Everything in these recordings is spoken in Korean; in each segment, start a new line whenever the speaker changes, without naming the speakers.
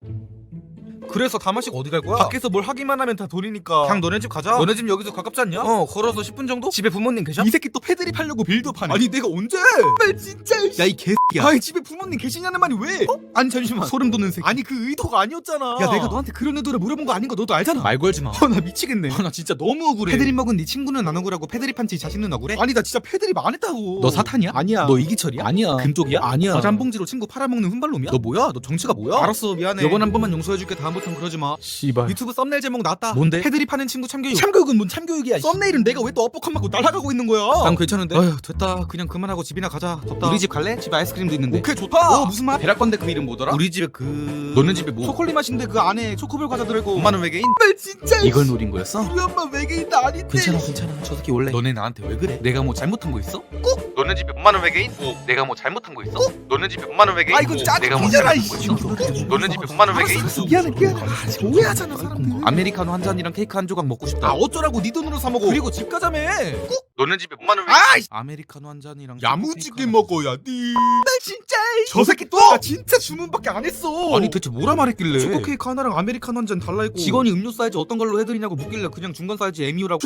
그래서 다 마시고 어디 갈 거야?
밖에서 뭘 하기만 하면 다 돈이니까
그냥 너네 집 가자.
너네 집 여기서 가깝지 않냐?
걸어서 10분 정도? 집에 부모님 계셔?
이 새끼 또 패드립 하려고 빌드업하네.
아니 내가 언제?
진짜
야 이 개새끼야.
아니 집에 부모님 계시냐는 말이 왜?
아니 잠시만. 소름 돋는 새끼.
아니 그 의도가 아니었잖아.
야 내가 너한테 그런 의도를 물어본 거 아닌 거 너도 알잖아.
말 걸지 마.
나 미치겠네.
나 진짜 너무 억울해.
패드립 먹은 네 친구는 안 억울하고 패드립 한 지 자신은 억울해?
아니 나 진짜 패드립 안 했다고.
너 사탄이야?
아니야.
너 이기철이야?
아니야.
금쪽이야?
아니야.
과자 한 봉지로 친구 팔아먹는 훈발놈이야?
너 뭐야? 너 정치가 뭐야?
알았어 미안해.
요번 한 번만 용서해줄게. 다음부턴 그러지 마.
씨발.
유튜브 썸네일 제목 나왔다.
뭔데?
패드립 하는 친구 참교육.
참교육은 뭔 참교육이야.
썸네일은 내가 왜 또 업복한 맞고 날아가고 있는 거야?
난 괜찮은데.
어휴 됐다. 그냥 그만하고 집이나 가자. 덥다.
우리 집 갈래? 집에 아이스크림도 있는데.
오케이 좋다.
무슨 맛?
베랄 건데 그 이름 뭐더라?
우리 집에 그
너네 집에 뭐?
초콜릿 맛인데 그 안에 초코별 과자 들어있고.
엄마는 외계인?
진짜
이걸 노린 거였어?
우리 엄마 외계인도 아닌데.
괜찮아. 저 새끼 원래
너네 나한테 왜 그래?
내가 뭐 잘못한 거 있어?
너네 집에 엄마는 외계인? 내가 뭐 잘못한 거 있어? 너네 집에 엄마는 외계인?
아 이거 짜증
내가 뭐
이잖아
잘못한 거 있어? 너네 집에 엄마는 외계인?
미안해. 오해하잖아 사람들.
아메리카노 한 잔이랑 케이크 한 조각 먹고 싶다.
아 어쩌라고 네 돈으로 사 먹어. 그리고 집 가자며.
너네 집에 엄마는 외계인?
아이
아메리카노 한 잔이랑
야무지게
케이크
먹어야 돼. 나 진짜 저 새끼 또. 나 진짜 주문밖에 안 했어.
아니 대체 뭐라 말했길래?
초코 케이크 하나랑 아메리카노 한 잔 달라 했고
직원이 음료 사이즈 어떤 걸로 해드리냐고 묻길래 그냥 중간 사이즈 MU라고.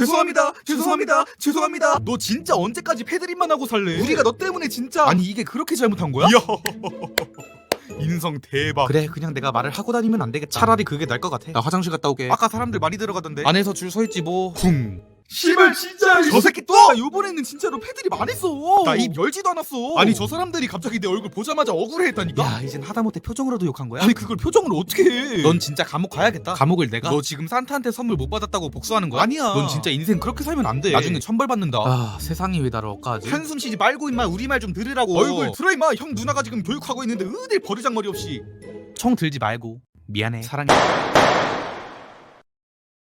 죄송합니다. 너 진짜 언제까지 패드립만 하고 살래? 우리가 너 때문에 진짜.
아니 이게 그렇게 잘못한 거야?
이야. 인성 대박.
그래 그냥 내가 말을 하고 다니면 안 되겠다. 차라리 그게 나을 것 같아. 나 화장실 갔다 오게.
아까 사람들 많이 들어가던데.
안에서 줄 서 있지 뭐.
쿵. 씨발 진짜 저 새끼 또! 나 요번에는 진짜로 패드립 안 했어. 나 입 열지도 않았어. 아니 저 사람들이 갑자기 내 얼굴 보자마자 억울해했다니까.
야 이젠 하다못해 표정으로도 욕한 거야?
아니 그걸 표정으로 어떻게 해?
넌 진짜 감옥 가야겠다. 감옥을 내가?
너 지금 산타한테 선물 못 받았다고 복수하는 거야?
아니야.
넌 진짜 인생 그렇게 살면 안 돼.
나중에
천벌 받는다.
아 세상이 왜 나를 엇가지?
한숨 쉬지 말고 임마 우리 말 좀 들으라고. 얼굴 들어 임마. 형 누나가 지금 교육하고 있는데 어딜 버르장머리 없이.
총 들지 말고 미안해 사랑해.